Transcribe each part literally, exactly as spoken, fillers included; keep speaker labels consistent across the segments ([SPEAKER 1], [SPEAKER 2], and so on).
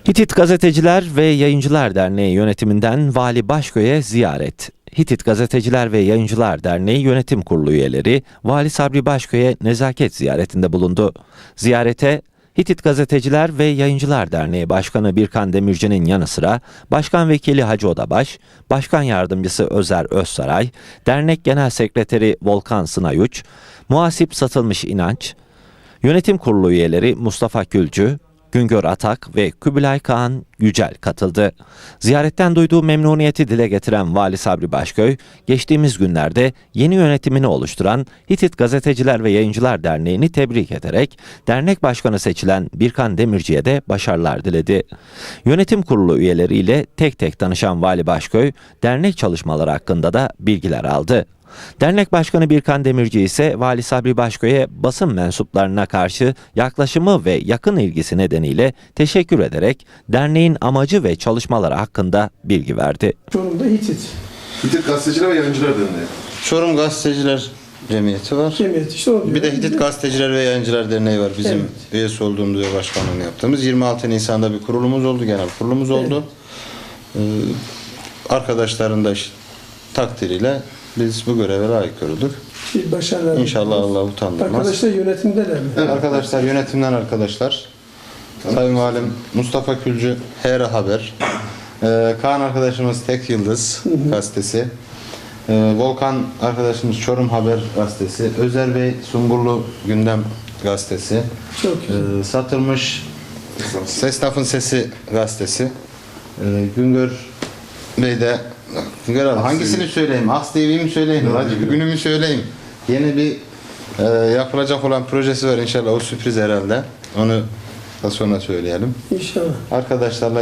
[SPEAKER 1] Hitit Gazeteciler ve Yayıncılar Derneği yönetiminden Vali Başköy'e ziyaret. Hitit Gazeteciler ve Yayıncılar Derneği Yönetim Kurulu üyeleri Vali Sabri Başköy'e nezaket ziyaretinde bulundu. Ziyarete Hitit Gazeteciler ve Yayıncılar Derneği Başkanı Birkan Demirci'nin yanı sıra Başkan Vekili Hacı Odabaş, Başkan Yardımcısı Özer Özsaray, Dernek Genel Sekreteri Volkan Sınayuç, Muhasip Satılmış İnanç, Yönetim Kurulu üyeleri Mustafa Külcü, Güngör Atak ve Kubilay Kağan Yücel katıldı. Ziyaretten duyduğu memnuniyeti dile getiren Vali Sabri Başköy, geçtiğimiz günlerde yeni yönetimini oluşturan Hitit Gazeteciler ve Yayıncılar Derneği'ni tebrik ederek dernek başkanı seçilen Birkan Demirci'ye de başarılar diledi. Yönetim kurulu üyeleriyle tek tek tanışan Vali Başköy, dernek çalışmaları hakkında da bilgiler aldı. Dernek Başkanı Birkan Demirci ise Vali Sabri Başköy'e basın mensuplarına karşı yaklaşımı ve yakın ilgisi nedeniyle teşekkür ederek derneğin amacı ve çalışmaları hakkında bilgi verdi.
[SPEAKER 2] Çorum'da Hitit.
[SPEAKER 3] Hitit Gazeteciler ve Yayıncılar Derneği.
[SPEAKER 4] Çorum Gazeteciler Cemiyeti var.
[SPEAKER 2] Cemiyet işte o.
[SPEAKER 4] Bir de Hitit Gazeteciler ve Yayıncılar Derneği var. Bizim
[SPEAKER 2] Evet.
[SPEAKER 4] üyesi olduğumuz ve başkanlığını yaptığımız. yirmi altı Nisan'da bir kurulumuz oldu, genel kurulumuz oldu. Evet. Ee, arkadaşların da işte takdiriyle biz bu göreve layık görüldük.
[SPEAKER 2] Bir başarılar.
[SPEAKER 4] İnşallah Allah utandırmaz.
[SPEAKER 2] Arkadaşlar yönetimdeler mi?
[SPEAKER 4] Evet. Arkadaşlar yönetimden arkadaşlar. Sayın Valim Mustafa Külcü H R Haber. Ee, Kaan arkadaşımız Tek Yıldız hı hı. gazetesi. Ee, Volkan arkadaşımız Çorum Haber gazetesi. Özer Bey Sungurlu Gündem gazetesi.
[SPEAKER 2] Çok güzel.
[SPEAKER 4] Ee, Satılmış Esnafın Sesi gazetesi. Ee, Güngör Bey de Güngör abi hangisini söyleyeyim? Aks T V'yi mi söyleyeyim? Hacı bir günümü söyleyeyim. Yeni bir e, yapılacak olan projesi var inşallah. O sürpriz herhalde. Onu da sonra söyleyelim.
[SPEAKER 2] İnşallah.
[SPEAKER 4] Arkadaşlarla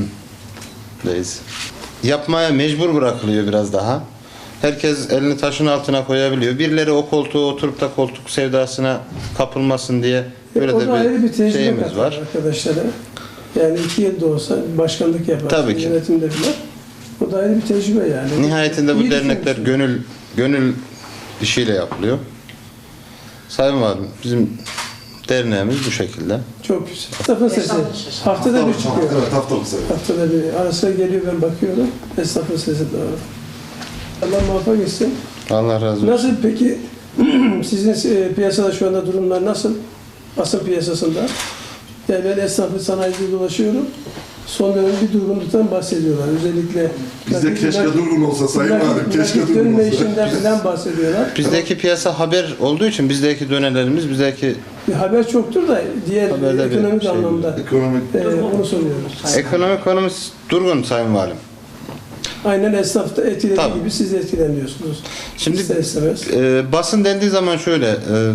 [SPEAKER 4] yönetimdeyiz. Yapmaya mecbur bırakılıyor biraz daha. Herkes elini taşın altına koyabiliyor. Birileri o koltuğa oturup da koltuk sevdasına kapılmasın diye böyle
[SPEAKER 2] o
[SPEAKER 4] de
[SPEAKER 2] da ayrı bir
[SPEAKER 4] bir
[SPEAKER 2] tecrübe
[SPEAKER 4] şeyimiz var.
[SPEAKER 2] arkadaşlara. Yani iki yılda olsa başkanlık yapar.
[SPEAKER 4] Tabii ki.
[SPEAKER 2] Yönetimde bile. O da ayrı bir tecrübe yani.
[SPEAKER 4] Nihayetinde bu
[SPEAKER 2] İyi
[SPEAKER 4] dernekler
[SPEAKER 2] düşünmüşsün.
[SPEAKER 4] gönül gönül işiyle yapılıyor. Sayın Valim, bizim derneğimiz bu şekilde.
[SPEAKER 2] Çok güzel. Mustafa Sesi. Haftada bir çıkıyor.
[SPEAKER 3] Evet, haftalık sefer.
[SPEAKER 2] Haftada bir. Arasına geliyor, ben bakıyorum. Esnafın Sesi doğru. Allah muvaffak etsin.
[SPEAKER 4] Allah razı olsun.
[SPEAKER 2] Nasıl peki sizin e, piyasada şu anda durumlar nasıl? Basın piyasasında. Yani ben esnafı sanayide dolaşıyorum. Son dönem bir durgunluktan bahsediyorlar. Özellikle
[SPEAKER 3] Bizde keşke durgun olsa Sayın Valim, keşke durgun
[SPEAKER 2] dönme
[SPEAKER 3] olsa.
[SPEAKER 2] işinden falan bahsediyorlar.
[SPEAKER 4] Bizdeki piyasa haber olduğu için bizdeki dönelerimiz, bizdeki
[SPEAKER 2] Bir haber çoktur da diğer
[SPEAKER 4] Haberde bir
[SPEAKER 2] ekonomik
[SPEAKER 4] şey
[SPEAKER 2] anlamda
[SPEAKER 3] Ekonomik.
[SPEAKER 2] e, onu soruyoruz.
[SPEAKER 4] ekonomik konumuz durgun Sayın Valim.
[SPEAKER 2] Aynen esnafta etkilediği
[SPEAKER 4] Tabii.
[SPEAKER 2] gibi siz de etkileniyorsunuz.
[SPEAKER 4] Şimdi
[SPEAKER 2] İster istemez.
[SPEAKER 4] e, basın dendiği zaman şöyle, e,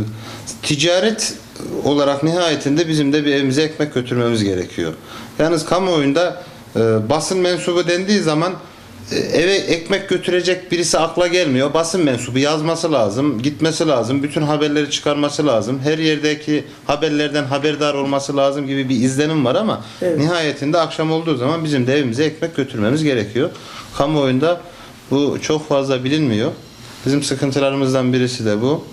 [SPEAKER 4] ticaret olarak nihayetinde bizim de bir evimize ekmek götürmemiz gerekiyor. Yalnız kamuoyunda e, basın mensubu dendiği zaman e, eve ekmek götürecek birisi akla gelmiyor. Basın mensubu yazması lazım, gitmesi lazım, bütün haberleri çıkarması lazım, her yerdeki haberlerden haberdar olması lazım gibi bir izlenim var ama
[SPEAKER 2] Evet.
[SPEAKER 4] nihayetinde akşam olduğu zaman bizim de evimize ekmek götürmemiz gerekiyor. Kamuoyunda bu çok fazla bilinmiyor. Bizim sıkıntılarımızdan birisi de bu.